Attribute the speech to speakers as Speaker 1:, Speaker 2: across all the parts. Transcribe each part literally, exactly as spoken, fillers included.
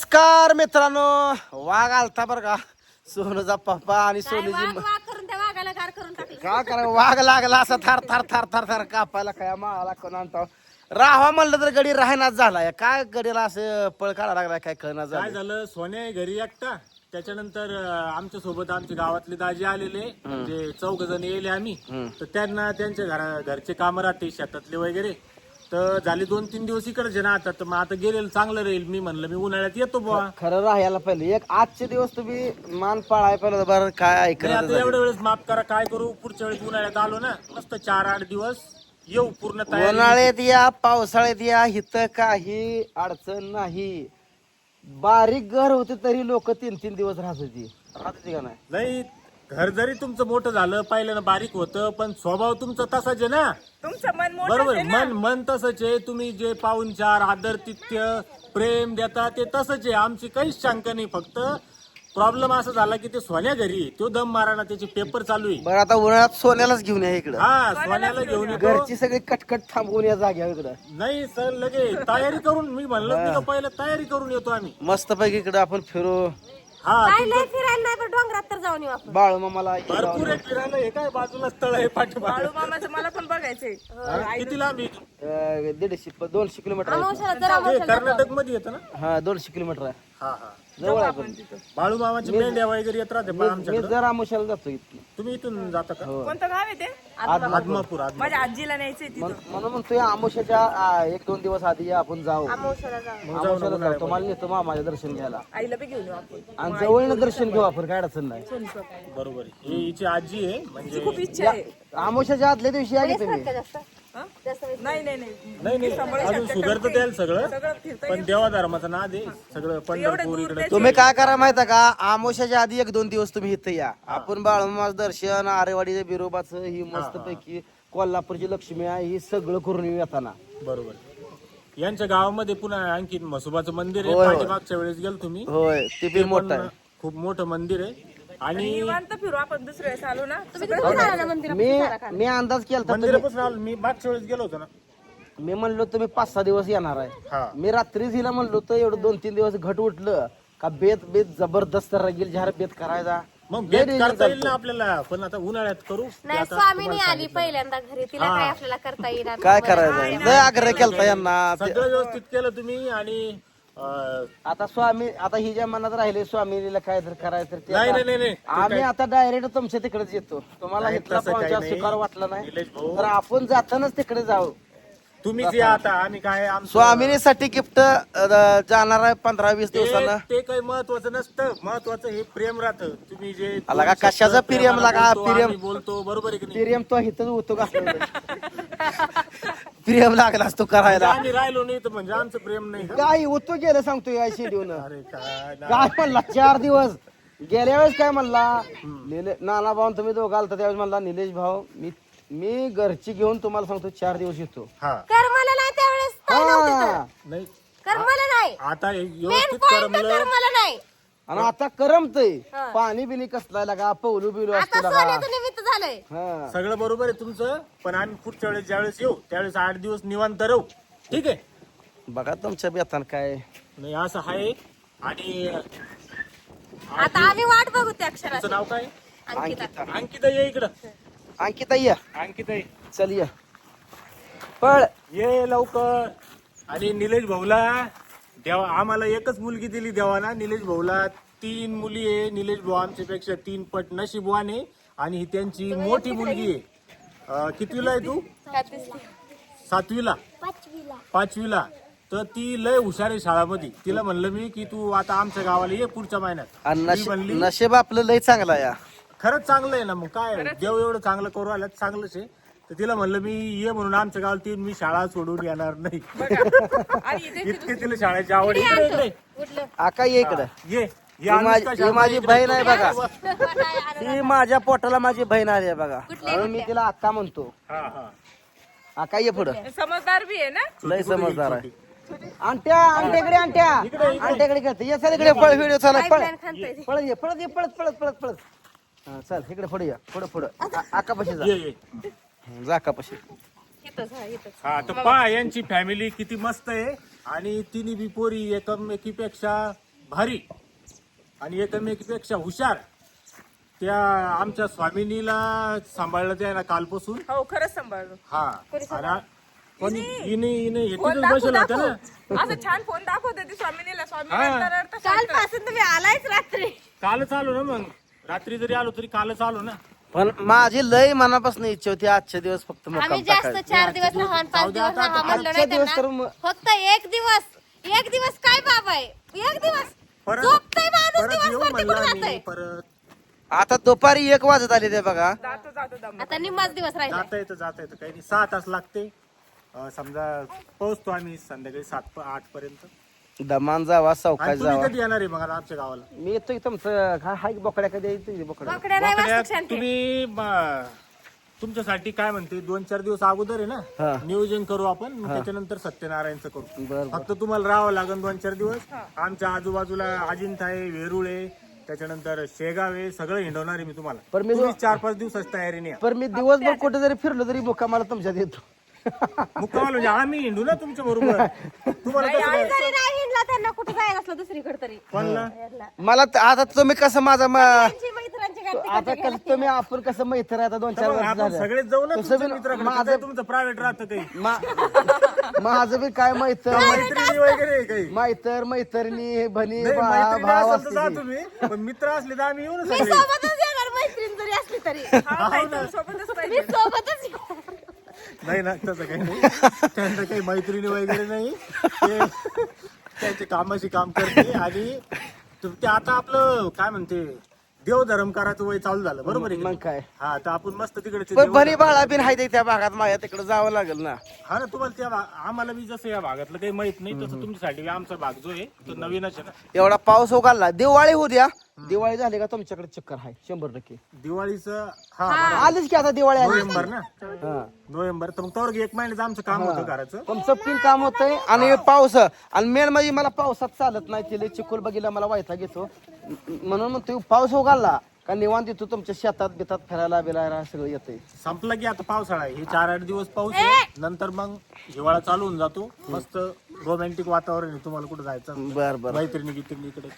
Speaker 1: नमस्कार मित्रांनो. वाघ आलता बर का, सोनूचा पप्पा आणि सोनूची
Speaker 2: वाघ वाघ करून त्या वाघाला गार करून टाकलं.
Speaker 1: काय करा, वाघ लागला असा थार थार थार थार थार कापायला काय माळाला कोण आणता राहावा म्हणलं तर गडी राहण्यात झालाय. काय गडीला असं पळ काढा लागलाय काय कळणार
Speaker 3: काय
Speaker 1: झालं.
Speaker 3: झालं, सोन्या घरी एकटा. त्याच्यानंतर आमच्या सोबत आमचे गावातले दाजी आलेले, म्हणजे चौघ जण येले आम्ही. तर त्यांना त्यांच्या घरा घरचे काम राहते शेतातले वगैरे, तर झाले दोन तीन दिवस इकडे ना. आता तर मग आता गेलेलं चांगलं राहील. मी म्हणलं मी उन्हाळ्यात येतो बुवा.
Speaker 1: खरं राहायला पाहिजे. एक आजचे दिवस तुम्ही मान पाळाय पाहिजे बरं. काय
Speaker 3: नाही,
Speaker 1: ऐकलं
Speaker 3: आता एवढ्या वेळेस माफ करा, काय करू. पुढच्या वेळेस उन्हाळ्यात आलो ना, मस्त चार आठ दिवस येऊ पूर्ण तयारी.
Speaker 1: उन्हाळ्यात या पावसाळ्यात या, इथं काही अडचण नाही. बारीक घर होते तरी लोक तीन तीन दिवस राहत होती राहत होती का नाही.
Speaker 3: नाही, घर जरी तुमचं मोठं झालं, पहिल्यानं बारीक होतं, पण स्वभाव तुमचा तसाच आहे ना.
Speaker 2: तुमचं मन मोठं
Speaker 3: बरोबर,
Speaker 2: आहे ना.
Speaker 3: मन मन तसंच आहे. तुम्ही जे पाहुणचार आदरतिथ्य प्रेम देता ते तसंच आहे. आमची काहीच शंका नाही. फक्त प्रॉब्लेम असा झाला की ते सोन्या घरी आहे. तो दम माराना, त्याचे पेपर चालू आहे.
Speaker 1: बरं आता उन्हाळ्यात सोन्यालाच घेऊन या इकडं.
Speaker 3: हा, सोन्याला घेऊन येतो.
Speaker 1: घरची सगळी कटकट थांबवून या जाग्यावर इकडं.
Speaker 3: नाही सर, लगे तयारी करून, मी म्हणलं नाही का पहिलं तयारी करून येतो आम्ही.
Speaker 1: मस्त पैकी इकडं आपण फिरू.
Speaker 3: हा,
Speaker 2: काय लय फिरायला नाही पण डोंगरात तर जाऊन येऊ आपण.
Speaker 1: बाळू मामाला
Speaker 3: भरपूर आहे फिरायला. हे काय बाजूला स्थळ आहे पाठीमागे.
Speaker 4: बाळू मामाचं मला पण बघायचंय.
Speaker 3: हा, किती लांब आहे?
Speaker 1: अं, दीडशे प- दोनशे किलोमीटर आहे.
Speaker 2: अमावस्याला जर
Speaker 3: हे
Speaker 2: अमावस्याला
Speaker 3: कर्नाटक मध्ये येतं ना.
Speaker 1: हा दोनशे किलोमीटर आहे.
Speaker 3: हा हा,
Speaker 1: जवळ आहे पण.
Speaker 3: बाळू मामाची मेंढ्या वगैरे येत राहते पण
Speaker 1: मी
Speaker 3: आमच्याकडे.
Speaker 1: जर आमुशाला जातो इथून.
Speaker 3: तुम्ही इथून जाता का?
Speaker 4: कोणतं गाव आहे ते?
Speaker 3: आदमापूर. आदमापूर.
Speaker 4: माझ्या आजीला न्यायचंय तिथं.
Speaker 1: म्हण- म्हणून म्हणतोय आमुशाच्या आ, एक दोन दिवस आधी या, आपण जाऊ.
Speaker 2: अमावस्याला जाऊ.
Speaker 1: आमुशाला जाऊ. तुम्हाला नेतो मामाच्या दर्शन घ्यायला
Speaker 4: आईला बी घेऊन येऊ आपण.
Speaker 1: आणि जवळनं दर्शन घेऊ आपण. काय अडचण नाही.
Speaker 3: बरोबर आहे. ही हिची आजी आहे म्हणजे.
Speaker 4: खूप इच्छा आहे.
Speaker 1: आमुशाच्या आदल्या दिवशी या की तुम्ही.
Speaker 2: का जास्त
Speaker 4: हं?
Speaker 2: जास्त वेळ?
Speaker 4: नाही नाही नाही
Speaker 3: नाही नाही, अजून शुगर तर द्याल सगळं,
Speaker 4: सगळं फिरता
Speaker 3: पण देवा धर्माचा नाद आहे सगळं. पंढरपूर इकडे.
Speaker 1: तुम्ही काय करा माहिती का, आमोशाच्या आधी एक दोन दिवस तुम्ही इथं या. आपण बाळूमामाचं दर्शन, आरेवाडीच्या बिरोबाचं, ही मस्त पैकी कोल्हापूरची लक्ष्मी आहे, ही सगळं करून येऊ येताना.
Speaker 3: बरोबर. यांच्या गावामध्ये पुन्हा आणखी म्हसोबाचं मंदिर आहे.
Speaker 1: होय, होय.
Speaker 3: पाठीमागच्या वेळेस गेलो तुम्ही.
Speaker 1: होय ते बी मोठं आहे.
Speaker 3: खूप मोठं मंदिर आहे. आणि
Speaker 4: निवांत फिरू आपण. दुसऱ्या वेळेस आलो ना,
Speaker 2: तुम्ही किती जाणार ना मंदिरात?
Speaker 1: मी मी अंदाज केला होता.
Speaker 3: मंदिरापासून आलो मी. मागच्या वेळेस गेलो होतो ना.
Speaker 1: मी म्हणलो तुम्ही पाच सहा दिवस येणार आहे.
Speaker 3: हा,
Speaker 1: मी रात्रीच हिला म्हणलो तर एवढं दोन तीन दिवस घट उठलं का बेत बेत जबरदस्त रगील जहार बेत करायचा.
Speaker 3: मग
Speaker 1: लय
Speaker 3: बेत
Speaker 1: डेंजर
Speaker 3: करता येईल
Speaker 1: चालतं.
Speaker 3: ना आपल्याला, पण आता उन्हाळ्यात करू. ते
Speaker 2: नाही,
Speaker 3: आता
Speaker 2: स्वामीनी आली पहिल्यांदा घरी, तिला काय आपल्याला करता येणार
Speaker 1: काय
Speaker 2: नाही.
Speaker 1: करायचं, लय आग्रह केलता यांना. ते-
Speaker 3: सगळं व्यवस्थित केलं तुम्ही. आणि अं,
Speaker 1: आता स्वामी, आता हिच्या मनात राहिले स्वामीला काय तर करायचं तर ते
Speaker 3: नाही
Speaker 1: आता-
Speaker 3: नाही नाही नाही.
Speaker 1: आम्ही आता डायरेक्ट तुमच्या तिकडेच येतो. तुम्हाला
Speaker 3: नाही,
Speaker 1: इथला
Speaker 3: तसं काही
Speaker 1: पाहुणचार
Speaker 3: नाही.
Speaker 1: स्वीकार वाटला नाही
Speaker 3: निलेश भाऊ,
Speaker 1: तर आपण जातानाच तिकडे जाऊ.
Speaker 3: तुम्हीच या आता. आम्ही काय आमचं-
Speaker 1: स्वामिनीसाठी गिफ्ट जाणार आहे पंधरा वीस दिवसानं.
Speaker 3: ते ते काही महत्वाचं नसतं. महत्वाचं हे प्रेम राहतं. तुम्ही जे
Speaker 1: आला का, कशाचं प्रेम
Speaker 3: प्रेमाला
Speaker 1: लागा,
Speaker 3: बोलतो,
Speaker 1: प्रेम.
Speaker 3: आम्ही बोलतो, बरोबर आहे की नाही?
Speaker 1: प्रियम तो इथं होतो का प्रियम लागलास तो करायला.
Speaker 3: आम्ही राहिलो नाही तर म्हणजे आमचं प्रेम नाही का?
Speaker 1: काय होतो गेलं सांगतो या शेड्यून.
Speaker 3: अरे काय ना.
Speaker 1: काय म्हणला चार दिवस गेल्या वेळेस काय म्हणला निले नाना भाऊ तुम्ही दोघं आलता त्यावेळेस म्हणला निलेश भाऊ मी मी घरची घेऊन तुम्हाला सांगतो चार दिवस येतो.
Speaker 3: हा,
Speaker 2: कर्माला नाही त्यावेळेस काय नव्हतं तर.
Speaker 1: हा.
Speaker 3: नाही
Speaker 2: कर्माला नाही,
Speaker 3: आता हे
Speaker 2: मेन
Speaker 3: व्यवस्थित
Speaker 2: पॉइंट
Speaker 3: करमलं.
Speaker 2: कर्माला नाही.
Speaker 1: आणि आता करमतय.
Speaker 2: हा.
Speaker 1: पाणी बिनी कसलाय लागा, पौलू बिलू
Speaker 2: आता
Speaker 1: असतो लागा.
Speaker 2: सोन्याचं निमित्त झालंय.
Speaker 1: हा
Speaker 3: सगळं बरोबर आहे तुमचं, पण आम्ही पुढच्या वेळेस ज्यावेळेस येऊ त्यावेळेस आठ दिवस निवांत राहू. ठीक आहे.
Speaker 1: बघा तुमच्या बेतान काय.
Speaker 3: नाही असं आहे. आणि
Speaker 2: आता आम्ही वाट बघू त्या
Speaker 3: तुमचं
Speaker 2: अक्षराची.
Speaker 3: नाव काय?
Speaker 2: अंकिता.
Speaker 1: अंकिता
Speaker 3: अंकिता, ये इकडं.
Speaker 1: अंकिता ये
Speaker 3: अंकिता ये.
Speaker 1: चल ये पळ.
Speaker 3: ये लवकर. आणि निलेश भाऊला देवा, आम्हाला एकच मुलगी दिली देवाना. निलेश भाऊला तीन मुली आहे. निलेश भाऊ आमच्यापेक्षा तीन पट नशीबवान आहे. आणि ही त्यांची मोठी मुलगी आहे. अं, कितवीला आहे तू? सातवीला. पाचवीला. तर ती लय हुशार आहे शाळामध्ये. तिला म्हणलं मी की तू आता आमच्या गावाला ये पुढच्या महिन्यात.
Speaker 1: आणि
Speaker 3: ती
Speaker 1: नशीब
Speaker 3: म्हणली
Speaker 1: नशीब आपलं लय चांगला या.
Speaker 3: खरंच चांगलं आहे ना. मग काय देव एवढं चांगलं करू आलं चांगलंच आहे. तर तिला म्हणलं मी ये म्हणून आमच्या गावाला ती मी शाळा सोडून येणार नाही.
Speaker 4: आणि इथे
Speaker 3: इतकी तिला शाळेची आवड आहे. इकडे, इकडे.
Speaker 2: उठलं.
Speaker 1: आका ये इकडं.
Speaker 3: ये
Speaker 1: ही माझी ही माझी बहीण आहे बघा.
Speaker 2: कुठली
Speaker 1: ती माझ्या पोटाला माझी बहीण आली आहे बघा. म्हणून मी तिला अक्का म्हणतो.
Speaker 3: हा हा.
Speaker 1: अक्का ये पुढं.
Speaker 4: समजदार बी आहे ना.
Speaker 1: लय समजदार आहे. अंट्या अंट्याकडे अंट्या अंट्याकडे खेळते. ये चल इकडे पळ व्हिडिओ चालू आहे. पळ
Speaker 2: खानतोय.
Speaker 1: पळत ये पळत ये पळत पळत पळत पळत. हा, चल इकडे पुढे या. पुढे पुढे आका पशी जा.
Speaker 3: ये ये.
Speaker 1: जा आका पशी.
Speaker 2: इथंच, हा, इथंच.
Speaker 3: हा, तर पहा यांची फॅमिली किती मस्त आहे. आणि तिन्ही बी पोरी एकमेकीपेक्षा भारी आणि एकमेकीपेक्षा हुशार त्या आमच्या स्वामिनीला सांभाळलं त्या ना कालपासून.
Speaker 4: हो खरंच सांभाळलो.
Speaker 3: हा आणि कोणी हिने हिने
Speaker 4: फोन
Speaker 3: एकटीच
Speaker 4: दाखवू
Speaker 3: बसेल होत्या ना.
Speaker 4: दाखवू असं छान फोन दाखवत होती स्वामिनीला. स्वामी
Speaker 3: हा.
Speaker 4: रडता रडता शांत.
Speaker 2: कालपासून तुम्ही आलायच रात्री.
Speaker 3: कालच आलो ना मग रात्री जरी आलो तरी कालच आलो ना.
Speaker 1: पण माझी लय मनापासून इच्छा होती आजच्या दिवस फक्त
Speaker 2: आम्ही
Speaker 1: मुक्काम
Speaker 2: जास्त
Speaker 1: टाकायचा.
Speaker 2: चार दिवस राहा पाच
Speaker 3: जाऊ दे
Speaker 2: दिवस
Speaker 3: आता,
Speaker 2: राहा म्हणलो
Speaker 1: आजच्या
Speaker 2: नाही
Speaker 1: दिवस तर
Speaker 2: त्यांना.
Speaker 1: मग-
Speaker 2: फक्त एक दिवस एक दिवस काय बाबा आहे एक दिवस
Speaker 3: परत
Speaker 2: झोपतोय माणूस
Speaker 3: परत येऊ
Speaker 2: दिवसभर
Speaker 3: म्हणलं
Speaker 2: तिकडून
Speaker 3: आम्ही
Speaker 2: जातोय.
Speaker 3: परत
Speaker 1: आता दुपारी एक वाजत आले ते बघा.
Speaker 4: जातो जातो दम.
Speaker 2: आता निम्माच दिवस राहिला.
Speaker 3: जाता येतं जाता येतं काही नाही सहा तास लागते. अं, समजा पोहोचतो आम्ही संध्याकाळी सात प- आठ पर्यंत.
Speaker 1: दमान जावा
Speaker 3: आणि
Speaker 1: चौकात
Speaker 3: तुम्ही
Speaker 1: जावा.
Speaker 3: कधी येणार आहे मग आता आमच्या गावाला?
Speaker 1: मी येतोय तुमचं हा- हाय बोकड्या कधी येतोय बोकड्या.
Speaker 2: बोकड्या नाही
Speaker 3: वाकड्यात
Speaker 2: वाजता शांती.
Speaker 3: तुम्ही म, तुमच्यासाठी काय म्हणते दोन चार दिवस अगोदर आहे
Speaker 1: हा.
Speaker 3: ना नियोजन करू आपण मग त्याच्यानंतर सत्यनारायणचं करू.
Speaker 1: बर बर.
Speaker 3: फक्त तुम्हाला राहावं लागेल दोन चार दिवस. आमच्या आजूबाजूला अजिंठा आहे, वेरूळ आहे, त्याच्यानंतर शेगाव आहे, सगळं हिंडवणार आहे मी तुम्हाला.
Speaker 1: पण मी
Speaker 3: तुम्ही चार पाच दिवसाची तयारी नाही.
Speaker 1: पण मी दिवसभर कुठे जरी फिरलो तरी मुक्कामाला तुमच्यात येतो.
Speaker 3: मुक्कामाल म्हणजे आम्ही हिंडू ना तुमच्या बरोबर. तुम्हाला कसं काय?
Speaker 2: जरी नाही हिंडला त्यांना कुठे जायला असलं दुसरीकडे तरी
Speaker 3: कोणला?
Speaker 1: मला त- आता तुम्ही कसं माझा म-
Speaker 2: त्यांची मैत्रिणींची गाठी
Speaker 1: आता कसं तुम्ही आपण कसं मैत्र आता दोन चार
Speaker 3: मग
Speaker 1: वर्ष
Speaker 3: आपण
Speaker 1: झालं.
Speaker 3: सगळेच जाऊ ना
Speaker 1: तसं
Speaker 3: तुमच्या
Speaker 1: बी
Speaker 3: मित्राकडे.
Speaker 1: माझं-
Speaker 3: काय तुमचं प्रायव्हेट राहतं काही
Speaker 1: मा- माझं बी काय मैत्र
Speaker 3: मैत्रिणी वगैरे आहे काही?
Speaker 1: मैत्र मैत्रिणी भणी
Speaker 3: नाही,
Speaker 1: बा-
Speaker 3: मैत्रिणी
Speaker 1: भाव
Speaker 3: असेल तर जा
Speaker 1: असते ती.
Speaker 3: तुम्ही पण मित्र असले तर आम्ही येऊ ना
Speaker 2: मी
Speaker 3: सगळे.
Speaker 2: सोबतच येणार मैत्रीण जरी असली तरी
Speaker 4: हा ताई, तुम्ही सोबतच
Speaker 2: मी
Speaker 4: पाहिजे.
Speaker 2: सोबतच येणार.
Speaker 3: नाही ना तसं काही नाही. त्यांचं काही मैत्रिणी वगैरे नाही. ते त्यांचे कामाशी काम करते आणि तु- ते आता आपलं काय म्हणते देवधर्म करायचं वय चालू झालं बरोबर आहे की
Speaker 1: मग
Speaker 3: नाही?
Speaker 1: काय
Speaker 3: हा तर आपण मस्त तिकडे ते
Speaker 1: पण
Speaker 3: देवधर्म-
Speaker 1: भणी बाळा बिन हाय ते त्या भागात माझ्या तिकडे जावं लागेल ना.
Speaker 3: हा ना तुम्हाला त्या भा- आम्हाला बी जसं या भागातलं काही माहित नाही तसं तुमच्यासाठी आमचा भाग जो आहे तो नवीनच आहे ना.
Speaker 1: एवढा पाऊस उघडला दिवाळी होऊ द्या. दिवाळी झाली का तुमच्याकडे चक्कर आहे शंभर टक्के.
Speaker 3: दिवाळीचं हा
Speaker 1: आलीच की आता दिवाळी आली.
Speaker 3: नोव्हेंबर ना
Speaker 1: हा.
Speaker 3: नोव्हेंबर तर मग तोवर एक महिन्याचं आमचं काम होतं घराचं.
Speaker 1: तुमचं पिन काम होतंय आणि पाऊस आणि मेन म्हणजे मला पावसात चालत नाही तिला चिखल बघितला मला वायता घेतो म्हणून मग तुम्ही पाऊस उघडला का निवांत येतो तुमच्या शेतात बितात फिरायला बिरायला सगळं येतंय.
Speaker 3: संपला की आता पावसाळा आहे. हे चार आठ दिवस पाऊस आहे नंतर मग हिवाळा चालू होऊन जातो. मस्त रोमॅन्टिक वातावरण आहे. तुम्हाला कुठे जायचं
Speaker 1: बर बर.
Speaker 3: मैत्रिणी गित्रिणी इकडे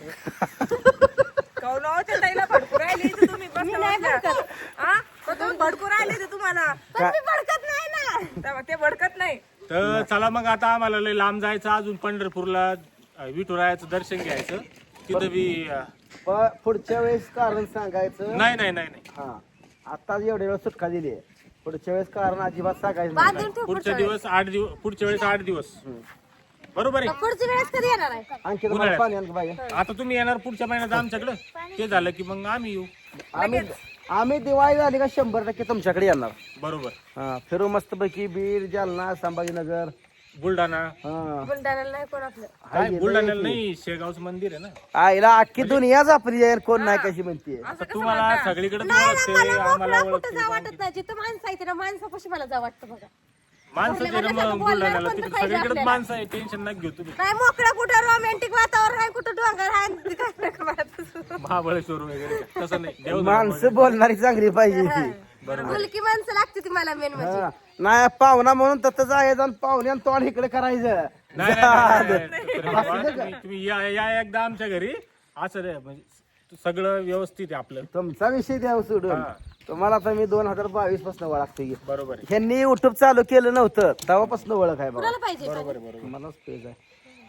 Speaker 4: कौन हो त्या ताईला भडकू राहिले इथे तुम्ही बसल्या बसल्या. हा? पण तुम्ही भडकू राहिले इथे तुम्हाला.
Speaker 2: पण मी भडकत नाही ना.
Speaker 4: तेव्हा ते भडकत नाही.
Speaker 3: तर चला मग आता आम्हाला लय लांब जायचं अजून पंढरपूरला अं, विठुरायाचं दर्शन घ्यायचं तिथं बी अं,
Speaker 1: पण पुढच्या वेळेस कारण सांगायचं.
Speaker 3: नाही नाही नाही नाही
Speaker 1: हा आता एवढ्या वेळ सुटका दिली आहे. पुढच्या वेळेस कारण अजिबात सांगायचं नाही.
Speaker 2: बांधून ठेव
Speaker 3: पुढच्या दिवस आठ दिवस पुढच्या वेळेस आठ दिवस बरोबर आहे.
Speaker 2: पुढच्या वेळेस कधी येणार आहे?
Speaker 1: आणखी तुम्हाला
Speaker 3: उन्हाळ्यात.
Speaker 1: पाणी आणलं पाहिजे.
Speaker 3: आता तुम्ही येणार पुढच्या महिन्यात आमच्याकडे ते झालं की मग आम्ही येऊ.
Speaker 1: आम्ही आम्ही दिवाळी झाली का शंभर टक्के तुमच्याकडे येणार.
Speaker 3: बरोबर.
Speaker 1: हा फिरू मस्त पैकी बीड जालना संभाजीनगर.
Speaker 3: बुलढाणा
Speaker 1: हा
Speaker 2: बुलढाण्याला नाही कोण आपलं.
Speaker 3: काय बुलढाण्याला नाही शेगावचं मंदिर आहे ना.
Speaker 1: आईला अख्खी दुनियाच आपली आहे कोण नाही कशी म्हणते.
Speaker 3: आता तुम्हाला सगळीकडे
Speaker 2: नाही ना,
Speaker 3: ओळखते
Speaker 2: मला
Speaker 3: आम्हाला
Speaker 2: मोकळं कुठं
Speaker 3: ओळखते.
Speaker 2: जा वाटत नाही. जिथं माणसं आहे तिथं माणसापाशी मला जा वाटतं बघा.
Speaker 3: माणसं जे ना मग बुलढाण्याला तिकडे सगळीकडेच माणसं आहे. टेन्शन नका घेऊ तुम्ही.
Speaker 2: नाही मोकळं कुठं रोमॅन्टिक वातावरण आहे कुठं डोंगर आहे काय नका वाटत.
Speaker 3: महाबळेश्वर वगैरे तसं नाही. देव
Speaker 1: माणसं बोलणारी चांगली पाहिजे ती.
Speaker 2: मुलकी माणसं लागते ती मला मेन म्हणजे.
Speaker 1: हा. नाही पाहुणा म्हणून तसं जायचं आणि पाहुणे आणि तोंड इकडे करायचं.
Speaker 3: नाही, नाही, नाही, नाही, नाही. तुम्ही तुम्ही या या एकदा आमच्या घरी असं रे म्हणजे सगळं व्यवस्थित आहे आपलं.
Speaker 1: तुमचा विषय द्या सोडून. तुम्हाला तर मी दोन हजार बावीस पासून ओळखते.
Speaker 3: बरोबर आहे.
Speaker 1: ह्यांनी युट्यूब चालू केलं नव्हतं तेव्हापासून ओळख आहे
Speaker 2: कुणाला
Speaker 1: बघा.
Speaker 2: पाहिजे
Speaker 3: बरोबर आहे, बरोबर.
Speaker 1: मलाच पेज आहे.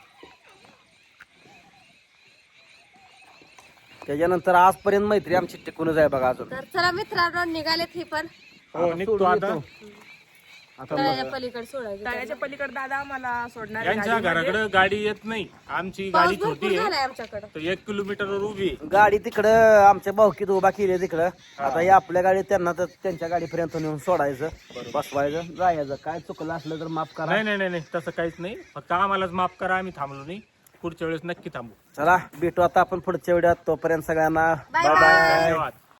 Speaker 1: त्याच्यानंतर आजपर्यंत मैत्री आमची टिकूनच आहे बघा अजून.
Speaker 2: तर चला मित्रांनो निघालेत ही पण
Speaker 3: हो निघतो
Speaker 1: सोडून
Speaker 3: आता.
Speaker 1: येतो. आता
Speaker 2: तळ्याच्या पलीकडे सोडायचं.
Speaker 4: तळ्याच्या पलीकडे दादा आम्हाला सोडणार आहे
Speaker 3: यांच्या
Speaker 4: गाडीमध्ये.
Speaker 3: घराकडे गाडी येत नाही. आमची
Speaker 2: पाऊस
Speaker 3: गाडी
Speaker 2: भरपूर
Speaker 3: छोटी आहे
Speaker 2: झालाय आमच्याकडे.
Speaker 3: तर एक किलोमीटरवर उभी आहे.
Speaker 1: गाडी तिकडं आमच्या भाऊकीत उभा केली तिकडं. आता या आपल्या गाडी त्यांना तर त्यांच्या गाडीपर्यंत नेऊन सोडायचं बसवायचं जायचं. काय चुकलं असलं तर माफ करा.
Speaker 3: नाही नाही नाही नाही तसं काहीच नाही. फक्त आम्हालाच माफ करा. आम्ही थांबलो नाही. पुढच्या वेळेस नक्की थांबू.
Speaker 1: चला भेटू आता आपण पुढच्या वेळात. तोपर्यंत सगळ्यांना
Speaker 2: बाय
Speaker 1: बाय
Speaker 2: बाय.
Speaker 1: बाय.
Speaker 3: धन्यवाद.